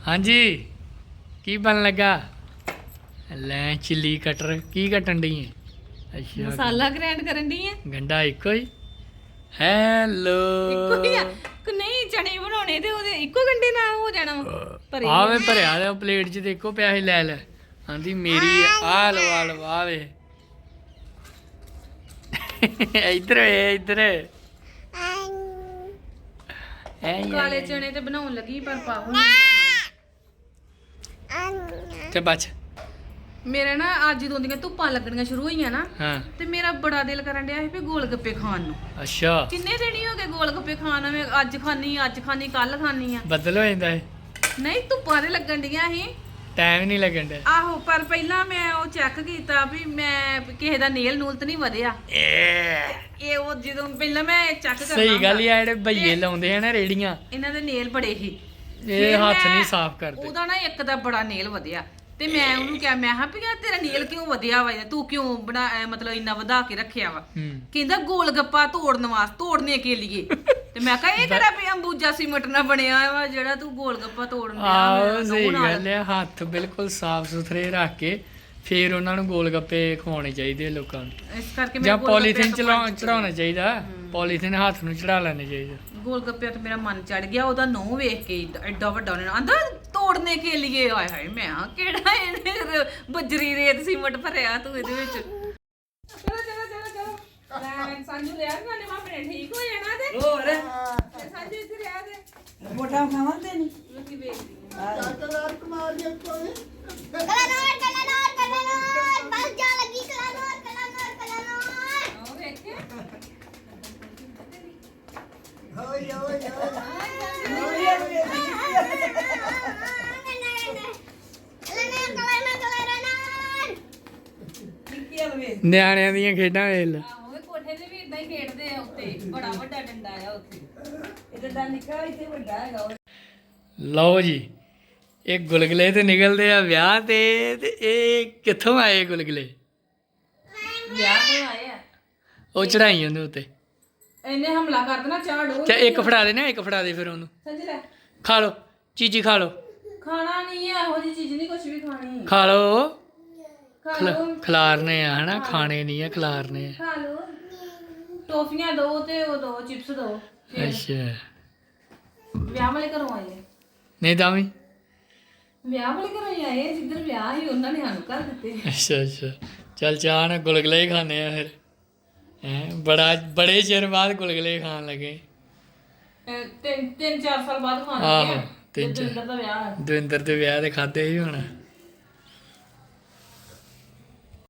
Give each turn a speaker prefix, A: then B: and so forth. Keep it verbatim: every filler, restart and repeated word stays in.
A: हाँ जी की बन लगा लै चिली कटर की कटन डी है अच्छा
B: ਮਸਾਲਾ ਗ੍ਰਾਈਂਡ ਕਰਨ ਦੀ ਹੈ
A: गंढा इको ही हेलो
B: ਇੱਕੋ ਹੀ ਆ ਕਿ ਨਹੀਂ ਚਣੇ ਬਣਾਉਣੇ ਤੇ ਉਹਦੇ ਇੱਕੋ ਗੰਡੇ ਨਾਲ ਹੋ ਜਾਣਾ ਵਾ। ਭਰੇ
A: ਆ ਵੇ ਭਰਿਆ ਦੇ ਪਲੇਟ 'ਚ ਤੇ ਇੱਕੋ ਪਿਆ ਸੀ ਲੈ ਲੈ ਆਂਦੀ ਮੇਰੀ ਆ ਲੋ ਆ ਲੋ ਆ ਵੇ ਇੱਧਰ ਵੇ ਇੱਧਰ ਐ
B: ਕਾਲੇ ਚਣੇ ਤੇ ਬਣਾਉਣ ਲੱਗੀ ਪਰ ਪਾਹੋ
A: ਤੇ ਬੱਚ
B: ਮੇਰੇ ਨਾ ਅੱਜ ਜਦੋਂ ਦੀਆਂ ਧੁੱਪਾਂ ਲੱਗਣੀਆਂ ਸ਼ੁਰੂ ਹੋਈਆਂ ਨਾ
A: ਹਾਂ
B: ਤੇ ਮੇਰਾ ਬੜਾ ਦਿਲ ਕਰਨ ਡਿਆ ਸੀ ਵੀ ਗੋਲ ਗੱਪੇ ਖਾਣ ਨੂੰ।
A: ਅੱਛਾ
B: ਕਿੰਨੇ ਦਿਨ ਹੀ ਹੋ ਗਏ ਗੋਲ ਗੱਪੇ ਖਾਣ ਨੂੰ, ਮੈਂ ਅੱਜ ਖਾਣੀ ਅੱਜ ਖਾਣੀ ਕੱਲ ਖਾਣੀ ਆ।
A: ਬੱਦਲ ਹੋ ਜਾਂਦਾ ਹੈ
B: ਨਹੀਂ ਧੁੱਪਾਂ ਤੇ ਲੱਗਣ ਡੀਆਂ ਸੀ
A: ਟਾਈਮ ਨਹੀਂ ਲੱਗਣ ਡਿਆ
B: ਆਹੋ, ਪਰ ਪਹਿਲਾਂ ਮੈਂ ਉਹ ਚੈੱਕ ਕੀਤਾ ਵੀ ਮੈਂ ਕਿਸੇ ਦਾ ਨੇਲ ਨੂਲ ਤੇ ਨਹੀਂ ਵਧਿਆ। ਇਹ ਉਹ ਜਦੋਂ ਪਹਿਲਾਂ ਮੈਂ ਚੈੱਕ ਕਰਨਾ
A: ਸਹੀ ਗੱਲ
B: ਹੁੰਦਾ,
A: ਹੀ ਆ ਜਿਹੜੇ ਭਈਏ ਲਾਉਂਦੇ ਆ ਨਾ ਰੇੜੀਆਂ
B: ਇਹਨਾਂ ਦੇ ਨੇਲ ਬੜੇ ਸੀ
A: ਇਹ ਹੱਥ ਨਹੀਂ ਸਾਫ਼ ਕਰਦੇ
B: ਉਹਦਾ ਨਾ ਇੱਕ ਦਾ ਬੜਾ ਨੇਲ ਵਧਿਆ ਤੇ ਮੈਂ ਉਹਨੂੰ ਕਿਹਾ ਮੈਂ ਕਿਹਾ ਵੀ ਯਾਰ ਤੇਰਾ ਨੇਲ ਕਿਉਂ ਵਧਿਆ ਵਾ, ਤੂੰ ਕਿਉਂ ਬਣਾ ਅਹ ਮਤਲਬ ਇੰਨਾ ਵਧਾ ਕੇ ਰੱਖਿਆ ਵਾ।
A: ਹੂੰ
B: ਕਹਿੰਦਾ ਗੋਲ ਗੱਪਾ ਤੋੜਨ ਵਾਸਤੇ ਤੋੜਨੇ ਕੇ ਲਈ ਤੇ ਮੈਂ ਕਿਹਾ ਇਹ ਕਿਹੜਾ ਵੀ ਅੰਬੂਜਾ ਸੀਮਟ ਨਾਲ ਬਣਿਆ ਵਾ ਜਿਹੜਾ ਤੂੰ ਗੋਲ ਗੱਪਾ ਤੋੜਨ
A: ਆਹੋ ਸਹੀ ਗੱਲ ਹੈ ਹੱਥ ਬਿਲਕੁਲ ਸਾਫ਼ ਸੁਥਰੇ ਰੱਖ ਕੇ ਫਿਰ ਉਹਨਾਂ ਨੂੰ ਗੋਲ ਗੱਪੇ ਖਵਾਉਣੇ ਚਾਹੀਦੇ ਲੋਕਾਂ ਨੂੰ,
B: ਇਸ ਕਰਕੇ
A: ਜਾਂ
B: ਮੈਂ
A: ਪੋਲੀਥੀਨ ਚੜਾਉਣਾ ਚਾਹੀਦਾ, ਪੋਲੀਥੀਨ ਹੱਥ ਨੂੰ ਚੜਾ ਲੈਣੇ ਚਾਹੀਦੇ।
B: ਗੋਲ ਗੱਪਿਆਂ ਤੇ ਮੇਰਾ ਮਨ ਚੜ ਗਿਆ, ਉਹਦਾ ਨਹੁੰ ਵੇਖ ਕੇ ਏਡਾ- ਐਡਾ ਵੱਡਾ ਉਹਨੇ ਆਂਦਾ ਤੋੜਨੇ ਕੇ ਲਈ ਆਏ ਹਾਏ ਮੈਂ ਹਾਂ ਕਿਹੜਾ ਇਹਨੇ ਰ- ਬੱਜਰੀ ਰੇਤ ਸੀਮਟ ਭਰਿਆ ਤੂੰ ਇਹਦੇ ਵਿੱਚ। ਚਲੋ ਚਲੋ ਚਲੋ ਚਲੋ ਲੈ ਸੰਜੂ ਰਿਆ ਗਾਣੇ ਆਪਣੇ ਠੀਕ ਹੋ ਜਾਣਾ ਤੇ
C: ਹੋਰ
B: ਤੇ ਸੰਜੂ ਇੱਥੇ ਰਿਆ ਤੇ
C: ਮੋਟਾ ਖਾਵਾਂਦੇ ਨਹੀਂ
B: ਲੋਕੀ ਵੇਖਦੀ
D: ਕਲਰ ਕਮਾਲ ਦੇ ਕੋਈ ਕਲਰ ਕਲਰ ਕਲਰ ਬਸ ਜਾ ਲੱਗੀ ਕਲਰ ਕਲਰ ਕਲਰ
B: ਉਹ ਵੇਖੇ
D: ਹੋਈ ਹੋਈ
A: ਨਿਆਣਿਆਂ ਦੀਆਂ ਖੇਡਾਂ ਵੇਖ ਲੈ
B: ਆਹੋ ਇਹ ਕੋਠੇ ਤੇ ਵੀ ਇਦਾਂ ਹੀ ਖੇਡਦੇ ਆ ਉੱਤੇ, ਬੜਾ ਵੱਡਾ ਡੰਡਾ ਆ ਉੱਥੇ।
C: ਇਹਦਾ ਦਾ ਨਿੱਕਾ ਇੱਥੇ ਵੱਡਾ ਹੈਗਾ ਉਹ।
A: ਲਓ ਜੀ ਇਹ ਗੁਲਗੁਲੇ ਤੇ ਨਿਕਲਦੇ ਆ ਵਿਆਹ ਤੇ ਤੇ ਇਹ ਕਿੱਥੋਂ ਆਏ ਗੁਲਗੁਲੇ
B: ਵਿਆਹ ਤੋਂ ਆਏ ਆ
A: ਉਹ ਚੜਾਈ ਉਹਦੇ ਉੱਤੇ
B: ਇਹਨੇ ਹਮਲਾ ਕਰ ਦੇਣਾ ਚਾਹ ਡੋਲ
A: ਚਾ ਇੱਕ ਫੜਾ ਦੇ ਨਾ ਇੱਕ ਫੜਾ ਦੇ ਫਿਰ ਉਹਨੂੰ
B: ਸੰਜੂ ਲੈ
A: ਖਾ ਲਓ ਚੀਜੀ ਖਾ ਲਓ
B: ਖਾਣਾ ਨਹੀਂ ਹੈ ਇਹੋ ਜਿਹੀ ਚੀਜ਼ ਨਹੀਂ ਕੁਝ ਵੀ ਖਾਣੀ
A: ਖਾ ਲਓ
B: ਖਾ
A: ਖਿਲਾ-
B: ਲਓ
A: ਖਿਲਾਰਨੇ ਆ ਹਨਾ ਖਾਣੇ ਨਹੀਂ ਆ ਖਿਲਾਰਨੇ ਆ
B: ਖਾ ਲਓ ਟੋਫੀਆਂ ਦੋ ਤੇ ਉਹ ਦੋ ਚਿਪਸ ਦੋ
A: ਅੱਛਾ
B: ਵਿਆਹ ਵਾਲੇ ਘਰੋਂ ਆਏ ਆ।
A: ਨਹੀਂ ਤਾਂ ਵੀ
B: ਵਿਆਹ ਵਾਲੇ ਘਰੋਂ ਹੀ ਆਏ ਆ, ਜਿੱਧਰ ਵਿਆਹ ਸੀ ਉਹਨਾਂ ਨੇ ਸਾਨੂੰ ਘਰ ਦਿੱਤੇ।
A: ਅੱਛਾ ਅੱਛਾ ਚੱਲ ਚਾਹ ਨਾਲ ਗੁਲਗੁਲੇ ਹੀ ਖਾਣੇ ਆ ਫਿਰ ਹੈ ਬੜਾ ਬੜੇ ਚਿਰ ਬਾਅਦ ਗੁਲਗੁਲੇ ਖਾਣ ਲੱਗੇ
B: ਅਹ ਤਿੰਨ ਤਿੰਨ ਚਾਰ ਸਾਲ ਬਾਅਦ ਖਾਣ
A: ਆਹੋ,
B: ਲੱਗੇ
A: ਤਿੰਨ
B: ਤਿੰਨ
A: ਚਾਰ।
B: ਦਾ ਵਿਆਹ ਹੈ।
A: ਦਵਿੰਦਰ ਦੇ ਵਿਆਹ ਤੇ ਖਾਦੇ ਹੀ ਹੋਣਾ